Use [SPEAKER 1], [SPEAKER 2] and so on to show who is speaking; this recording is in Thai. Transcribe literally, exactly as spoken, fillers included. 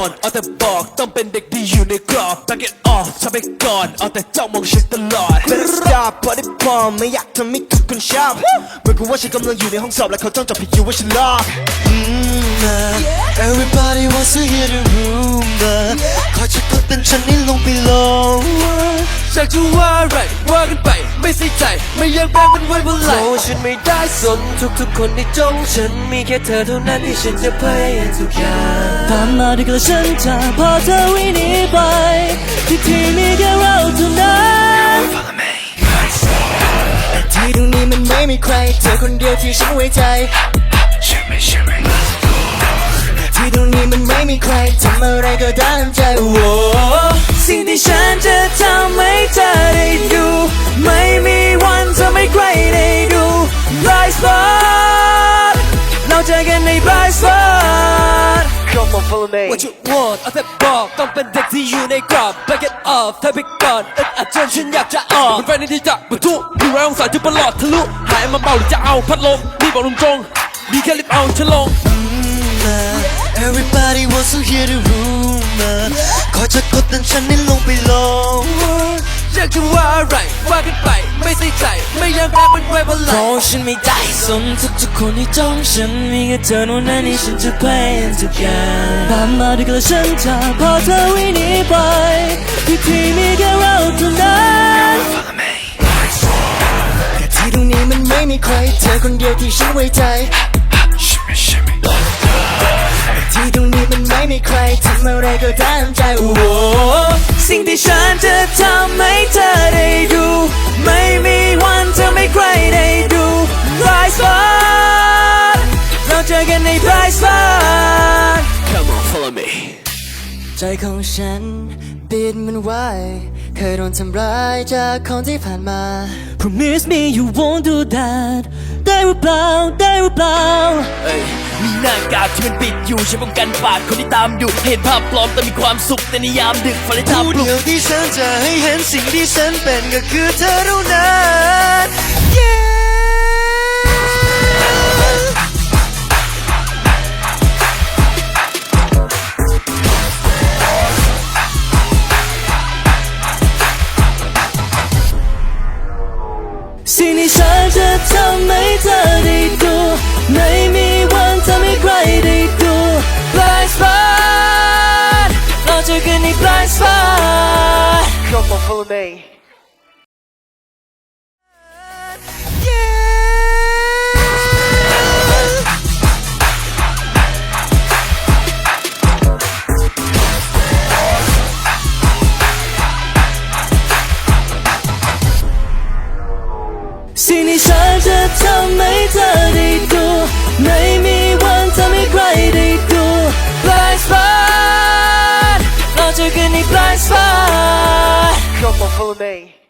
[SPEAKER 1] นเอาแต่บอกต้องเป็นเด็กดีอยู่ในกรอบ back it off ทำไปก่อนเอาแต่จ้องมองฉันตลอด
[SPEAKER 2] Better stop พอได้พอไม่อยากทำให้ทุกคนชอบเหมือนกับว่าฉันกำลังอยู่ในห้องสอบและเขาจ้องจับผิดอยู่ว่าฉันลอก
[SPEAKER 3] Everybody wants to hear the rumor ขอฉันกดเป็นฉันนี่ลงไปลง
[SPEAKER 1] อยากจะว่าอะไรว่ากันไปไม่ใส่ใจไม่อยากแบกมันไว้บนไหล่
[SPEAKER 3] โอ้ฉันไม่ได้สนทุกๆคนที่จ้องฉันมีแค่เธอเท่านั้นที่ฉันจะพยายามทุกอย่าง
[SPEAKER 4] ตามมาด้วยกันฉันจะพอเธอวิ่งหนีไปที่ที่มีแค่เราเท่านั้น
[SPEAKER 2] ที่ตรงนี้มันไม่มีใครเธอคนเดียวที่ฉันไว้ใจที่ตรงนี้มันไม่มีใครทำอะไรก็ตามใจโอ้
[SPEAKER 4] สิ่งที่ฉันจะทำให้เธอได้ดูไม่มีวันจะไม่ใครได้ดู Bright spot เราเจอกันใน Bright spot
[SPEAKER 3] Come on follow me
[SPEAKER 1] What you want เอาแต่บอกต้องเป็นเด็กที่อยู่ในกรอบ back it off เธอไปก่อนอึดอัดจนฉันอยากจะออกมันแฟนที่จะบรรทุกดูแรงสายจุดประหลอดทะลุหายมาเบาหรือจะเอาพัดลมนี่บอกตรงๆดีแค่รีบเอาฉันลง
[SPEAKER 3] Everybody wants to hear the rumor ขอจะกดดันฉันนี่ลงไปลง
[SPEAKER 1] อยากจะว่าอะไรว่ากันไปไม่ใส่ใจไม่อยากแบกมันไว้บนไหล่
[SPEAKER 4] เพราะฉันไม่ได้สนทุกๆคนที่จ้องฉันมีแค่เธอเท่านั้นที่ฉันจะพยายามทุกอย่างตามมาด้วยกันฉันจะพอเธอวิ่งหนีไปที่ที่มีแค่เราเท่านั้น
[SPEAKER 2] แต่ที่ตรงนี้มันไม่มีใครเธอคนเดียวที่ฉันไว้ใจที่ตรงนี้มันไม่มีใครทำอะไรก็ตามใจโอ้
[SPEAKER 4] สิ่งที่ฉันจะทำให้เธอได้ดูไม่มีวันจะไม่ใครได้ดู Bright spot เราเจอกันใน Bright spot
[SPEAKER 1] Come on follow me
[SPEAKER 2] ใจของฉันปิดมันไว้เคยโดนทำร้ายจากคนที่ผ่านมา
[SPEAKER 4] Promise me you won't do that ได้หรือเปล่าได้หรือเปล่า
[SPEAKER 1] เอ้ยมีหน้ากากที่มันปิดอยู่ฉันป้องกันปากคนที่ตามอยู่เห็นภาพปลอมแต่มีความสุขแต่ในยามดึกฝันเลยทำปลุก
[SPEAKER 3] เดียวที่ฉันจะให้เห็นสิ่งที่ฉันเป็นก็คือเธอเท่านั้น yeah
[SPEAKER 4] สิ่งที่ฉันจะทำให้เธอได้ดูไม่มีวันทำให้ใครได้ดู Blind spot เราเจอกันใน Blind spot
[SPEAKER 3] Come on follow me
[SPEAKER 4] สิ่งที่ฉันจะทำให้เธอได้ดูไม่มีวันทำให้ใครได้ดู Blind spot เราเจอกันใน Blind spot
[SPEAKER 3] Come on follow me